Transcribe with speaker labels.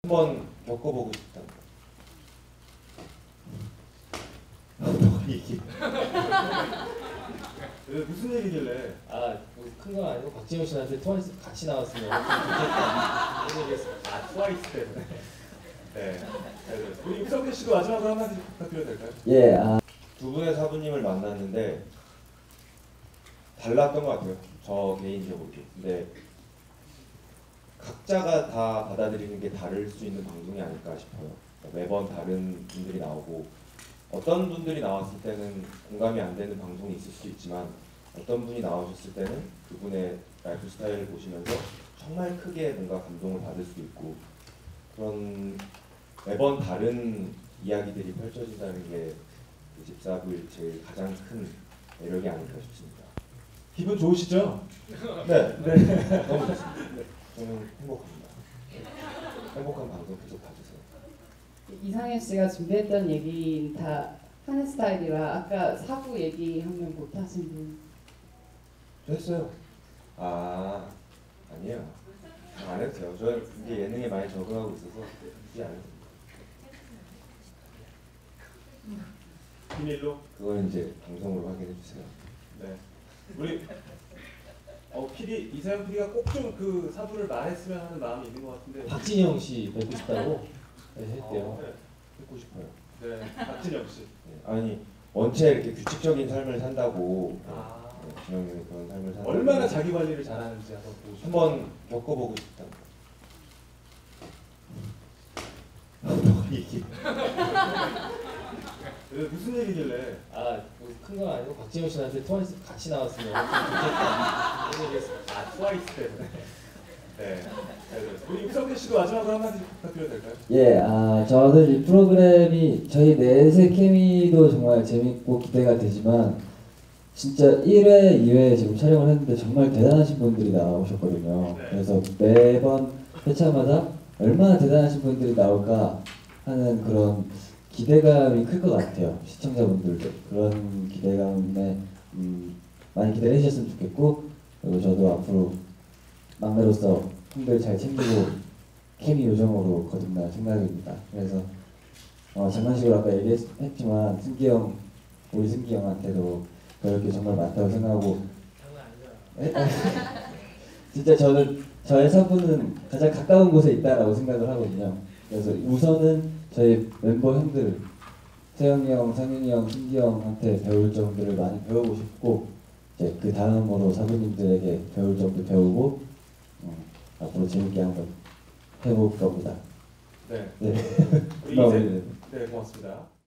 Speaker 1: 한번 겪어보고 싶다. 너 얘기.
Speaker 2: 무슨 얘기길래?
Speaker 3: 큰 건 아니고 박진영 씨한테 트와이스 같이 나왔으면 좋겠다 이런 얘기했습니다.
Speaker 2: 트와이스 때문에. 네. 우리 임성태 씨도 마지막으로 한마디 부탁드려도 될까요?
Speaker 4: 예,
Speaker 1: 두 분의 사부님을 만났는데 달랐던 것 같아요. 저 개인적으로. 근데 각자가 다 받아들이는 게 다를 수 있는 방송이 아닐까 싶어요. 매번 다른 분들이 나오고 어떤 분들이 나왔을 때는 공감이 안 되는 방송이 있을 수 있지만 어떤 분이 나오셨을 때는 그분의 라이프 스타일을 보시면서 정말 크게 뭔가 감동을 받을 수 있고 그런 매번 다른 이야기들이 펼쳐진다는 게 그 집사부의 제일 가장 큰 매력이 아닐까 싶습니다.
Speaker 2: 기분 좋으시죠?
Speaker 1: 네, 네. 너무 좋습니다. 네, 저는 행복합니다. 행복한 방송 계속 봐주세요.
Speaker 5: 이상현 씨가 준비했던 얘기 다 하는 스타일이라 아까 사부 얘기하면 못 하신 분.
Speaker 1: 저 했어요. 아니에요. 안 해도 돼요. 저 이제 예능에 많이 적응하고 있어서 굳이 안 해도 돼요.
Speaker 2: 비밀로?
Speaker 1: 그건 이제 방송으로 확인해 주세요.
Speaker 2: 네. 우리 PD 이사영 PD가 꼭 좀 그 사부를 말했으면 하는 마음이 있는 것 같은데.
Speaker 3: 박진영 씨 뵙고 싶다고 했대요.
Speaker 2: 네.
Speaker 1: 듣고 싶어요.
Speaker 2: 네. 박진영 씨.
Speaker 1: 네. 아니 원체 이렇게 규칙적인 삶을 산다고 진영이 그런 삶을 산다고
Speaker 2: 얼마나 자기 관리를 잘하는지 한번 보고 싶어요.
Speaker 1: 한번 겪어보고 싶다. 너 얘기.
Speaker 2: 무슨 얘기길래?
Speaker 3: 큰 건 아니고 박진영 씨한테 트와이스 같이 나왔으면 좋겠다 이런 얘기했습니다.
Speaker 2: 트와이스 때문에. 네. 우리 임성태 씨도 마지막으로 한마디 부탁드려도 될까요?
Speaker 4: 예, 저는 이 프로그램이 저희 넷의 케미도 정말 재밌고 기대가 되지만 진짜 1회, 2회 지금 촬영을 했는데 정말 대단하신 분들이 나오셨거든요.
Speaker 2: 네.
Speaker 4: 그래서 매번 회차마다 얼마나 대단하신 분들이 나올까 하는 그런 기대감이 클 것 같아요. 시청자분들도 그런 기대감에 많이 기대해 주셨으면 좋겠고 그리고 저도 앞으로 막내로서 형들 잘 챙기고 케미 요정으로 거듭날 생각입니다. 그래서 장난식으로 아까 얘기했지만 우리 승기 형한테도 배울 게 정말 많다고 생각하고 진짜 저는 저의 사부는 가장 가까운 곳에 있다라고 생각을 하거든요. 그래서 우선은 저희 멤버 형들 세영이 형, 상윤이 형, 승기 형한테 배울 점들을 많이 배우고 싶고 이제 그 다음으로 사부님들에게 배울 점도 배우고 앞으로 재밌게 한번 해볼 겁니다.
Speaker 2: 네.
Speaker 4: 네.
Speaker 2: 우리 네, 고맙습니다.